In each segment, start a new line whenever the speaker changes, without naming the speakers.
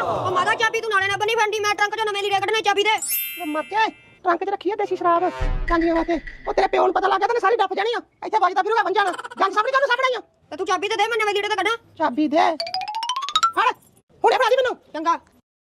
ਉਹ ਮਾਦਾ ਚਾਬੀ ਤੂੰ ਨਾਲੇ ਨਾ ਬਣੀ ਫੰਡੀ ਮੈਂ ਟਰੰਕ ਚੋਂ ਨਵੇਂ ਲੀੜੇ ਕੱਢਣੇ ਚਾਬੀ ਦੇ
ਮਰ ਜਾ ਟਰੰਕ 'ਚ ਰੱਖੀ ਆ ਦੇਸੀ ਸ਼ਰਾਬ ਕਾਂਡੀਆਂ ਵਾਸਤੇ ਉਹ ਤੇਰੇ ਪਿਓ ਨੂੰ ਪਤਾ ਲੱਗ ਗਿਆ ਤਾਂ ਸਾਰੀ ਡੱਫ ਜਾਣੀ ਆ ਇੱਥੇ ਵੱਜਦਾ ਫਿਰੂਗਾ ਬਣ ਜਾਣਾ ਜੰਗ ਸਾਹਮਣੇ ਕਾਹਨੂੰ ਸਾਹਮਣੇ ਆ
ਤੇ ਤੂੰ ਚਾਬੀ ਤੇ ਦੇ ਮੈਂ ਨਵੇਂ ਲੀੜੇ ਤੇ ਕੱਢਾਂ
ਚਾਬੀ ਦੇ ਫੜ ਹੁਣੇ ਫੜਾ ਦੀ ਮੈਨੂੰ
ਚੰਗਾ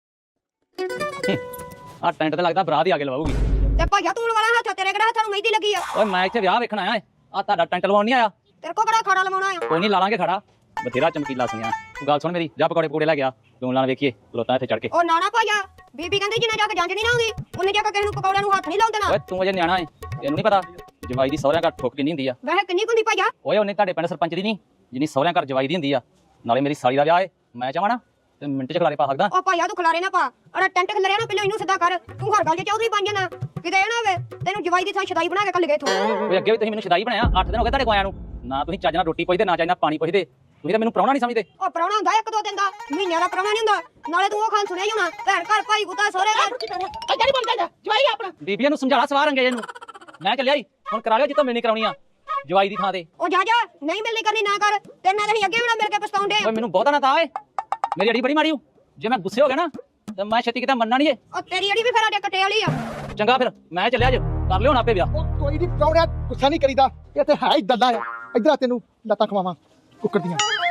ਆ ਟੈਂਟ ਤੇ ਲੱਗਦਾ ਬਰਾਤ ਹੀ ਆ ਕੇ ਲਵਾਉਗੀ
ਤੇ ਭਾਈਆ ਤੂੰ ਵਾਲਾ ਹੱਥ ਤੇਰੇ ਕਿਹੜਾ ਹੱਥਾਂ ਨੂੰ ਮਹਿੰਦੀ ਲੱਗੀ ਆ
ਓਏ ਮੈਂ ਇੱਥੇ ਵਿਆਹ ਵੇਖਣ ਆਇਆ ਆ ਤੁਹਾਡਾ ਟੈਂਟ ਲਵਾਉਣ ਨਹੀਂ ਆਇਆ
ਤੇਰੇ ਕੋ ਕਿਹੜਾ ਖਾੜਾ ਲਵਾਉਣਾ ਆ
ਕੋਈ ਨਹੀਂ ਲਾ ਲਾਂਗੇ ਖੜਾ ਬਥੇਰਾ ਚਮਕੀਲਾ ਸੁਣਿਆ ਤੂੰ ਗੱਲ ਸੁਣ ਮੇਰੀ ਜਾ ਪਕੌੜੇ ਪਕੌੜੇ ਲੈ ਗਿਆ ਲੂਣ ਲਾਣ ਵੇਖੀਏ ਖਲੋਤਾ ਇੱਥੇ ਚੜ ਕੇ
ਉਹ ਨਾਣਾ ਭਾਈਆ ਬੀਬੀ ਕਹਿੰਦੀ ਜਿੰਨਾ ਜਾ ਕੇ ਜੰਜ ਨਹੀਂ ਨਾ ਆਉਂਦੀ ਉਹਨੇ ਜਾ ਕੇ ਕਿਸੇ ਨੂੰ ਪਕੌੜਿਆਂ ਨੂੰ ਹੱਥ ਨਹੀਂ ਲਾਉਣ ਦੇਣਾ
ਓਏ ਤੂੰ ਅਜੇ ਨਿਆਣਾ ਏ ਤੈਨੂੰ ਨਹੀਂ ਪਤਾ ਜਵਾਈ ਦੀ ਸਹੁਰਿਆਂ ਘਰ ਠੁੱਕ ਕਿੰਨੀ ਹੁੰਦੀ ਆ
ਵੈਸੇ ਕਿੰਨੀ ਕੁੰਦੀ ਭਾਈਆ
ਓਏ ਉਹਨੇ ਤੁਹਾਡੇ ਪਿੰਡ ਸਰਪੰਚ ਦੀ ਨਹੀਂ ਜਿੰਨੀ ਸਹੁਰਿਆਂ ਘਰ ਜਵਾਈ ਦੀ ਹੁੰਦੀ ਆ ਨਾਲੇ ਮੇਰੀ ਸਾਲੀ ਦਾ ਵਿਆਹ ਏ ਮੈਂ ਚਾਹਾਂ ਨਾ ਤੇ ਮਿੰਟ ਚ ਖਲਾਰੇ ਪਾ ਸਕਦਾ
ਉਹ ਭਾਈਆ ਤੂੰ ਖਲਾਰੇ ਨਾ ਪਾ ਅਰੇ ਟੈਂਟ ਖਲਰਿਆ ਨਾ ਪਹਿਲਾਂ ਇਹਨੂੰ ਸਿੱਧਾ ਕਰ ਤੂੰ ਹਰ ਗੱਲ 'ਚ ਚੌਧਰੀ ਬਣ ਜਾਣਾ ਕਿਤੇ ਇਹ ਨਾ ਹੋਵੇ ਤੈਨੂੰ ਜਵਾਈ ਦੀ ਥਾਂ ਛਦਾਈ ਬਣਾ ਕੇ ਕੱਲ ਗਏ ਤੂੰ
ਓਏ ਅੱਗੇ ਵੀ ਤੁਸੀਂ ਮੈਨੂੰ ਸ਼ਦਾਈ ਬਣਾਇਆ 8 ਦਿਨ ਹੋ ਗਏ ਤੁਹਾਡੇ ਕੋਲ ਆਇਆਂ ਨੂੰ ਨਾ ਤੁਸੀਂ ਚੱਜ ਨਾਲ ਰੋਟੀ ਪੁੱਛਦੇ ਨਾ ਚੱਜ ਨਾਲ ਪਾਣੀ ਪੁੱਛਦੇ ਤੁਸੀਂ ਤਾਂ ਮੈਨੂੰ ਪ੍ਰਾਹੁਣਾ ਨਹੀਂ ਸਮਝਦੇ
ਉਹ ਪ੍ਰਾਹੁਣਾ ਹੁੰਦਾ ਇੱਕ ਦੋ ਦਿਨ ਦਾ ਮਹੀਨਿਆਂ ਦਾ ਪ੍ਰਾਹੁਣਾ ਨਹੀਂ ਹੁੰਦਾ ਨਾਲੇ ਤੂੰ ਉਹ ਖਾਨ ਸੁਣਿਆ ਹੀ ਹੋਣਾ ਭੈਣ ਘਰ ਭਾਈ ਗੁੱਤਾ ਸਹੁਰੇ ਘਰ
ਇੱਧਰ ਹੀ ਬਣ ਜਾ ਜਵਾਈ ਆਪਣਾ
ਬੀਬੀਆਂ ਨੂੰ ਸਮਝਾਲਾ ਸਵਾਰ ਅੰਗੇ ਇਹਨੂੰ ਮੈਂ ਚੱਲਿਆ ਈ ਹੁਣ ਕਰਾ ਲਿਆ ਜਿੱਤੋਂ ਮਿਲਣੀ ਕਰਾਉਣੀ ਆ ਜਵਾਈ ਦੀ ਥਾਂ ਤੇ
ਉਹ ਜਾ ਜਾ ਨਹੀਂ ਮਿਲਣੀ ਕਰਨੀ ਨਾ ਕਰ ਤੇਰੇ ਨਾਲ ਅਸੀਂ ਅੱਗੇ ਵੀ ਨਾ ਮਿਲ ਕੇ ਪਛਤਾਉਂਦੇ
ਓਏ ਮੈਨੂੰ ਬਹੁਤਾ ਨਾ ਤਾ ਓਏ ਮੇਰੀ ਅੜੀ ਬੜੀ ਮਾੜੀ ਹੂੰ ਜੇ ਮੈਂ ਗੁੱਸੇ ਹੋ ਗਿਆ ਨਾ ਤੇ ਮੈਂ ਛੇਤੀ ਕਿਤੇ ਮੰਨਣਾ ਨਹੀਂ ਏ
ਉਹ ਤੇਰੀ ਅੜੀ ਵੀ ਫਿਰ ਸਾਡੇ ਕੱਟੇ ਵਾਲੀ ਆ
ਚੰਗਾ ਫਿਰ ਮੈਂ ਚੱਲਿਆ ਅੱਜ ਕਰ ਲਿਓ ਹੁਣ ਆਪੇ ਵਿਆਹ
ਉਹ ਕੋਈ ਨਹੀਂ ਪ੍ਰਾਹੁਣਿਆ ਗੁੱਸਾ ਨਹੀਂ ਕਰੀਦਾ ਇਹ ਤੇ ਹੈ ਹੀ ਦੱਲਾ ਆ ਇੱਧਰ ਆ ਤੈਨੂੰ ਲੱਤਾਂ ਖਵਾਵਾਂ ਕੁੱਕਰ ਦੀਆਂ